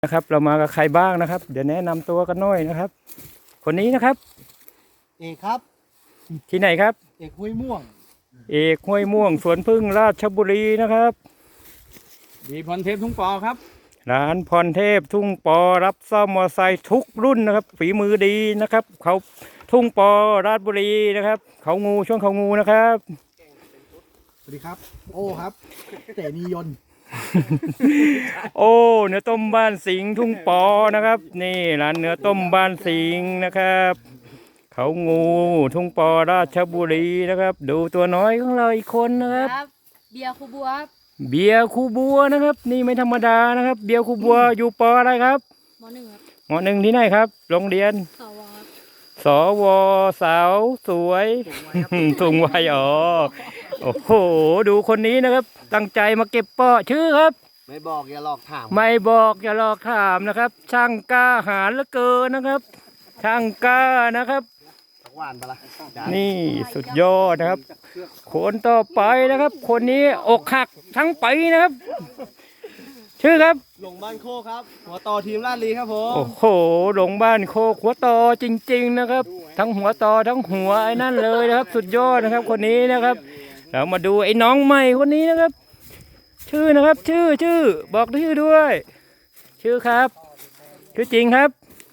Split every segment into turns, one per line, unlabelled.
นะครับเรามากับใครบ้างนะครับเดี๋ยวแนะนำตัวกันหน่อยนะครับคนนี้นะครับ
เอกครับ
ที่ไหนครับ
เอกห้วยม่วง
เอกห้วยม่วงสวนพึ่งราชบุรีนะครับ
ดีพรเทพทุ่งปอครับ
ร้านพรเทพทุ่งปอรับซ่อมมอเตอร์ไซค์ทุกรุ่นนะครับฝีมือดีนะครับเขาทุ่งปอราชบุรีนะครับเขางูช่วงเขางูนะครับ
สวัสดีครับโอ้ครับเตมียนต์
โอ้เนื้อต้มบ้านสิงห์ทุ่งปอนะครับนี่ร้านเนื้อต้มบ้านสิงห์นะครับเขางูทุ่งปอราชบุรีนะครับดูตัวน้อยของเราอีกคนนะครับ
เบียร์คูบัวครับ
เบียร์คูบัวนะครับนี่ไม่ธรรมดานะครับเบียร์คูบัวอยู่ปออะไรครับ
ม.1ครับ
ม.1ที่ไหนครับโรงเรียน
สวครับ
สวสาวสวยสูงวัยอ๋อโอ้โหดูคนนี้นะครับตั้งใจมาเก็บเปาะชื่อครับ
ไม่บอกอย่าหลอกถาม
ไม่บอกอย่าหลอกถามนะครับ ช่างกล้าหาญเหลือเกินนะครับ ช่างกล้านะครับ
หวานปะล่ะ
นี่สุดยอดนะครับคนต่อไปนะครับ คนนี้อกหักทั้งปีนะครับชื่อครับ
หลงบ้านโคครับหัวต่อทีมลาดลีครับผม
โอ้โหหลงบ้านโคกหัวต่อจริงๆนะครับทั้งหัวต่อทั้งหัวไอ้นั่นเลยนะครับ สุดยอดนะครับคนนี้นะครับเรามาดูไอ้น้องใหม่คนนี้นะครับ ชื่อนะครับชื่อบอกชื่อด้วย ชื่อครับชื่อจริงครับ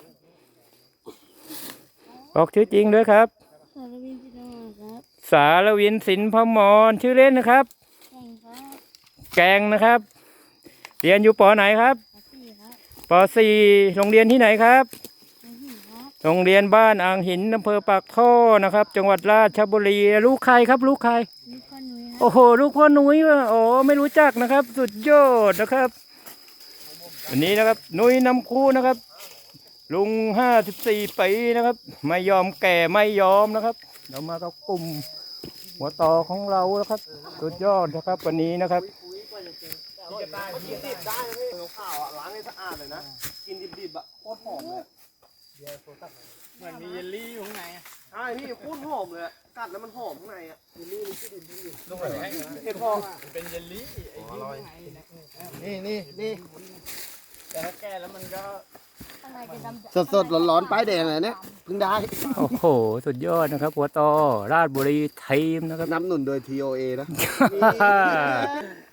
บอกชื่อจริงด้วยครับสารวินสินพมรชื่อเล่นนะครับแกงนะครับเรียนอยู่ป.ไหนครับป.4 โรงเรียนที่ไหนครับโรงเรียนบ้านอ่างหินอำเภอปากท่อนะครับจังหวัดราชบุรีลูกใครครับลูกใครโอ้โหลูกพ่อหนุ่ยโอ้ไม่รู้จักนะครับสุดยอดนะครับอันนี้นะครับหนุ่ยนำคู่นะครับลุง54 ปีนะครับไม่ยอมแก่ไม่ยอมนะครับเรามากับกลุ่มหัวต่อของเรานะครับสุดยอดนะครับวันนี้นะครับ
กินดิบได้เลยข้าวล้างให้สะอาดเลยนะกินดิบๆอ่ะโคตรหอมเลย
เหมือนมีเยลลี่อยู่ข้างใน
ใช่พี่โคตรหอมเลยกัดแล้วมันหอมข้างในอ่ะเยลลี่มันชื่อดิบ
ลงไปให้
เห็ดหอม
เป็นเยลลี่
อร่อยนี่
แต่ถ้าแก่แล้วมันก็
สดร้อนๆป้ายแดงเลยเนี่ยเพิ่งได้
โอ้โหสุดยอดนะครับหัวต่อราชบุรีทีมนะครับ
นำหนุนโดย TOA นะ